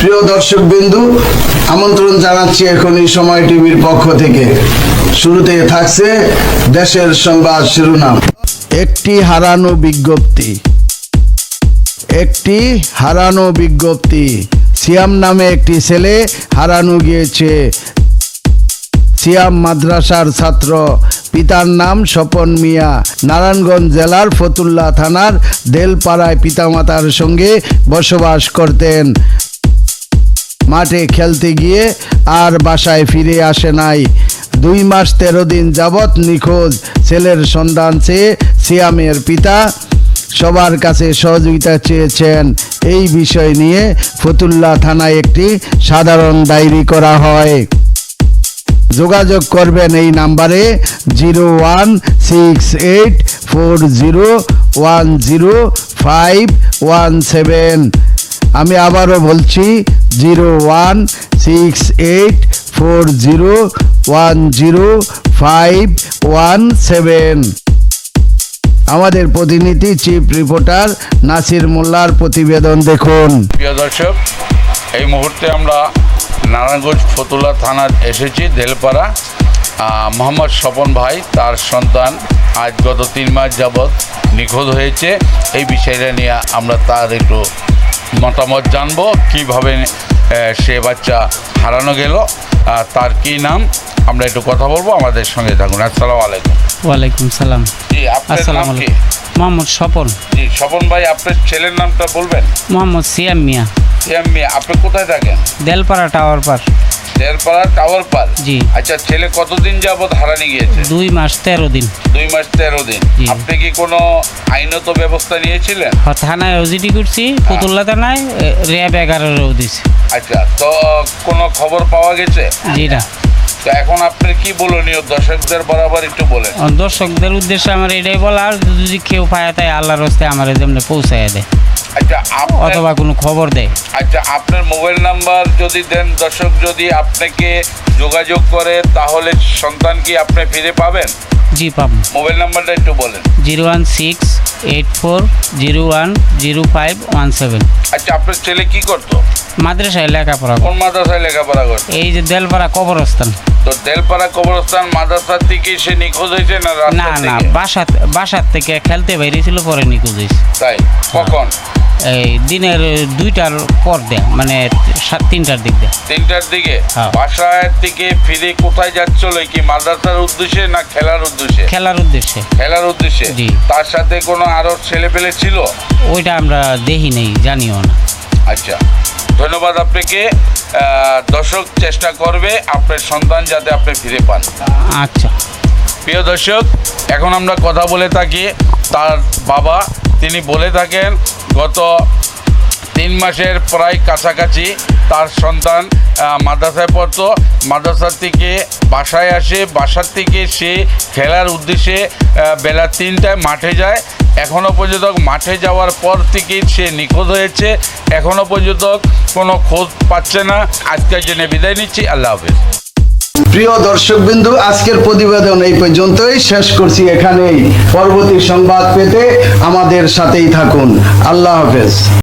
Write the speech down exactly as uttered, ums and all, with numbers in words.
প্রিয় দর্শক বিন্দু, আমন্ত্রণ জানাচ্ছি এখন এই সময় টিভির পক্ষ থেকে। শুরুতে থাকছে দেশের সংবাদ শিরোনাম। একটি হারানো বিজ্ঞপ্তি একটি হারানো বিজ্ঞপ্তি সিয়াম নামে একটি ছেলে হারানো গিয়েছে। সিয়াম মাদ্রাসার ছাত্র, পিতার নাম স্বপন মিয়া। নারায়ণগঞ্জ জেলার ফতুল্লা থানার দেলপাড়ায় পিতামাতার সঙ্গে বসবাস করতেন। মাঠে খেলতে গিয়ে আর বাসায় ফিরে আসে নাই। দুই মাস তেরো দিন যাবৎ নিখোঁজ। ছেলের সন্ধান চেয়ে সিয়ামের পিতা সবার কাছে সহযোগিতা চেয়েছেন। এই বিষয় নিয়ে ফতুল্লা থানায় একটি সাধারণ ডায়েরি করা হয়। যোগাযোগ করবেন এই নাম্বারে zero one six eight four zero one zero five one seven. আমি আবারও বলছি zero one six eight four zero one zero five one seven. আমাদের প্রতিনিধি চিফ রিপোর্টার নাসির মোল্লার প্রতিবেদন দেখুন। প্রিয় দর্শক, এই মুহূর্তে আমরা নারায়ণগঞ্জ ফতুল্লা থানার এসেছি। দেলপাড়া মোহাম্মদ স্বপন ভাই, তার সন্তান আজ গত তিন মাস যাবৎ নিখোঁজ হয়েছে। এই বিষয়টা নিয়ে আমরা তার একটু মতামত জানবো, কিভাবে সে বাচ্চা হারানো গেল, তার কি নাম, আমরা একটু কথা বলবো। আমাদের সঙ্গে থাকুন। আসসালামু আলাইকুম। ওয়ালাইকুম সালাম। জি, আপনার নাম কি? মোহাম্মদ স্বপন। জি, স্বপন ভাই, আপনার ছেলের নামটা বলবেন? মোহাম্মদ সিয়াম মিয়া। সিয়াম মিয়া। আপনি কোথায় থাকেন? দেলপাড়া টাওয়ার পার। দেলপাড়া টাওয়ার পার। জি। আচ্ছা, ছেলে কতদিন যাবত হারানি গিয়েছে? দুই মাস তেরো দিন। দুই মাস তেরো দিন। আপনি কি কোনো আইনত ব্যবস্থা নিয়েছিলেন? থানায় ওজিডি করছি, ফতুল্লা থানায় র্যাব এগারোরও দিছি। আচ্ছা, তো কোনো খবর পাওয়া গেছে? জি না। তো এখন আপনার কি বলনীয় দর্শকদের বরাবর একটু বলেন। দর্শকদের উদ্দেশ্যে আমার এটাই বলার, যদি কেউ পায় তাই আল্লাহর হস্তে আমার যেমনি পৌঁছায় দেয়, আচ্ছা, অথবা কোনো খবর দেয়। আচ্ছা, আপনার মোবাইল নাম্বার যদি দেন, দর্শক যদি আপনাকে যোগাযোগ করে, তাহলে সন্তান কি আপনি ফিরে পাবেন? জি পাবো। মোবাইল নাম্বারটা একটু বলেন। Zero one six eight four zero one zero five one seven. আচ্ছা, আপনার ছেলে কি করতো? মাদ্রাসায় লেখাপড়া। কোন মাদ্রাসায় লেখাপড়া করতো? এই যে দেলপাড়া কবরস্থান। তো দেলপাড়া কবরস্থান মাদ্রাসা থেকে সে নিখোঁজ হয়েছে না রাস্তা না না, থেকে? বাসা বাসার থেকে খেলতে বেরিয়েছিল, পরে নিখোঁজ হয়েছে। তাই? কখন? এই দিনের দুইটার পর দেয়া, মানে সাত তিনটার দিক দেয়া। তিনটার দিকে? হ্যাঁ। বাসায় থেকে ফিরে কোথায় যাচ্ছিল? কি মাদ্রাসার উদ্দেশ্যে না খেলার উদ্দেশ্যে? খেলার উদ্দেশ্যে। খেলার উদ্দেশ্যে। জি। তার সাথে কোনো আরো ছেলে পেলে ছিল? ওইটা আমরা দেখি নেই, জানিও না। আচ্ছা, ধন্যবাদ আপনাকে। দর্শক চেষ্টা করবে আপনার সন্তান যাতে আপনি ফিরে পান। আচ্ছা। প্রিয় দর্শক, এখন আমরা কথা বলে থাকি তার বাবা। তিনি বলে থাকেন গত তিন মাসের প্রায় কাছাকাছি তার সন্তান মাদ্রাসায় পড়তো। মাদ্রাসার থেকে বাসায় আসে, বাসার থেকে সে খেলার উদ্দেশ্যে বেলা তিনটায় মাঠে যায়। এখনও পর্যন্ত মাঠে যাওয়ার পর থেকেই সে নিখোঁজ হয়েছে। এখনও পর্যন্ত কোনো খোঁজ পাচ্ছে না। আজকের জন্য বিদায় নিচ্ছি। আল্লাহ হাফেজ। প্রিয় দর্শক বিন্দু, আজকের প্রতিবেদন এই পর্যন্তই শেষ করছি এখানেই। পরবর্তী সংবাদ পেতে আমাদের সাথেই থাকুন। আল্লাহ হাফেজ।